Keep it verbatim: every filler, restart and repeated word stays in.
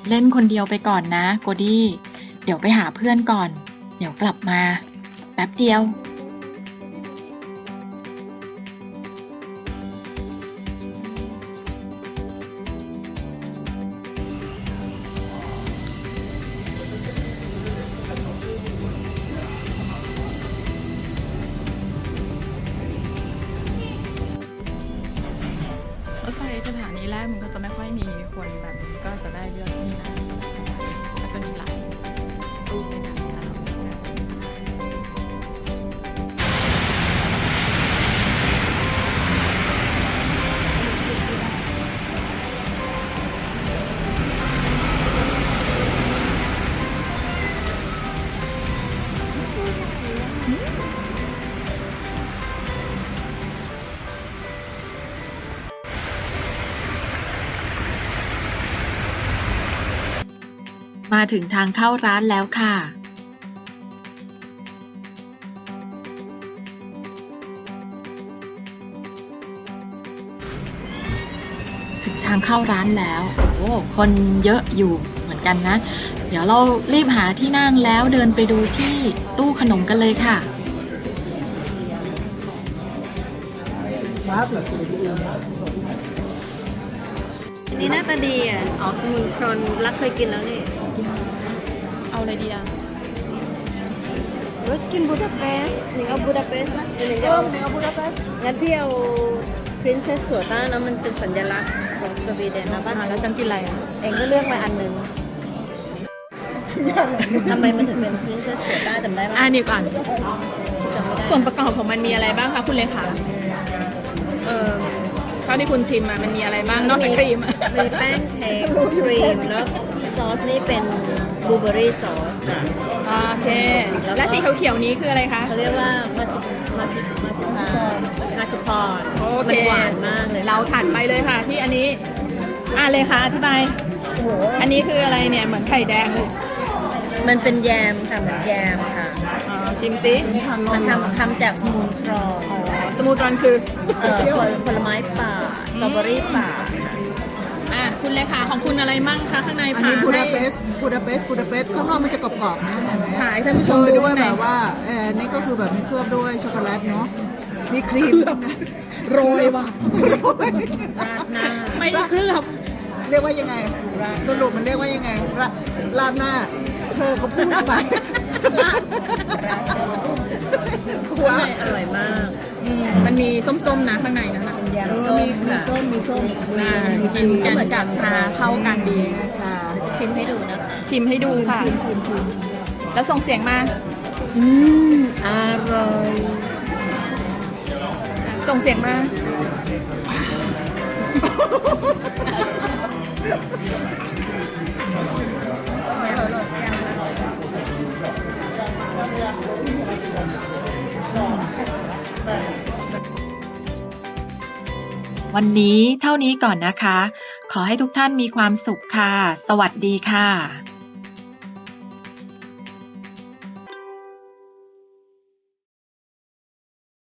เล่นคนเดียวไปก่อนนะโกดี้เดี๋ยวไปหาเพื่อนก่อน เดี๋ยวกลับมา แป๊บเดียว รถไฟสถานีแรกมันก็จะไม่ค่อยมีคนแบบนี้ก็จะได้เลือกที่นั่งก็จะมีหลายตู้ให้นั่งแล้วมาถึงทางเข้าร้านแล้วค่ะ ถึงทางเข้าร้านแล้ว โอ้คนเยอะอยู่เหมือนกันนะ เดี๋ยวเรารีบหาที่นั่งแล้วเดินไปดูที่ตู้ขนมกันเลยค่ะนี่หน้าตาดีอ่ะออกสมุนทรอนรักเคยกินแล้วนี่เอาอะไรดีอ่ะรสกินบูดาเปสต์หนึ่งเอาบูดาเปสต์นะหนึ่งเอาหนึ่งเอาบูดาเปสต์งั้นพี่เอา Princess ถั่วต้านะมันเป็นสัญลักษณ์ของสวีเดนนะบ้านอ่าแล้วฉันกินอะไรอ่ะเองก็เลือกมาอันหนึ่งทำไมมันถึงเป็น Princess ถั่วต้าจำได้ไหมอ่านี่ก่อนจำไม่ได้ส่วนประกอบของมันมีอะไรบ้างคะคุณเลขาเออเท่าที่คุณชิมมามันมีอะไรบ้างนอกจากครีมมีแป้งเค้กครีมแล้วซอสนี่เป็นบลูเบอร์รี่ซอสค่ะโอเค และสีเขียวๆนี้คืออะไรคะเขาเรียกว่ามาสิมาสิมาสิพามาสิพรโอมัเคนหวานมากเลยเราถัดไปเลยค่ะ ที่อันนี้ อ่าเลยค่ะอธิบาย อันนี้คืออะไรเนี่ยเหมือนไข่แดงเลยมันเป็นแยมค่ะเหมือนแยมค่ะอ๋อชิมซิมันทำทำจากสมูนทรอนสมูทรอนคือเอ่อผลผลไม้ป่าสตรอเบอรี่ป่าค่ะอ่ะคุณเลขาของคุณอะไรมั่งคะข้างในอันผ่านี้บูดาให้เปสต์บูดาเปสต์บูดาเปสต์ข้างนอกมันจะกรอบๆนะเห็นไหมถ่ายให้ท่านผู้ชโชมยดูด้วยข้างในแบบว่าเออนี่ก็คือแบบมีเคลือบด้วยช็อกโกแลตเนาะมีครีมนะโรยว่ะโรยราดหน้าไม่ได้เคลือบเรียกว่ายังไง สรุปมันเรียกว่ายังไงราราดหน้า เธอก็พูดไปข้างในอร่อยมากอืมมันมีส้มๆนะข้างในนั้นนะแยมเออส้มมีมีค่ะส้มมีส้มอ่ากินกันกับชาเข้ากันดีชาจะชิมให้ดูนะคะชิมให้ดูค่ะชิมชิมชิมแล้วส่งเสียงมาอืมอร่อยส่งเสียงมา วันนี้เท่านี้ก่อนนะคะ ขอให้ทุกท่านมีความสุขค่ะ สวัสดีค่ะ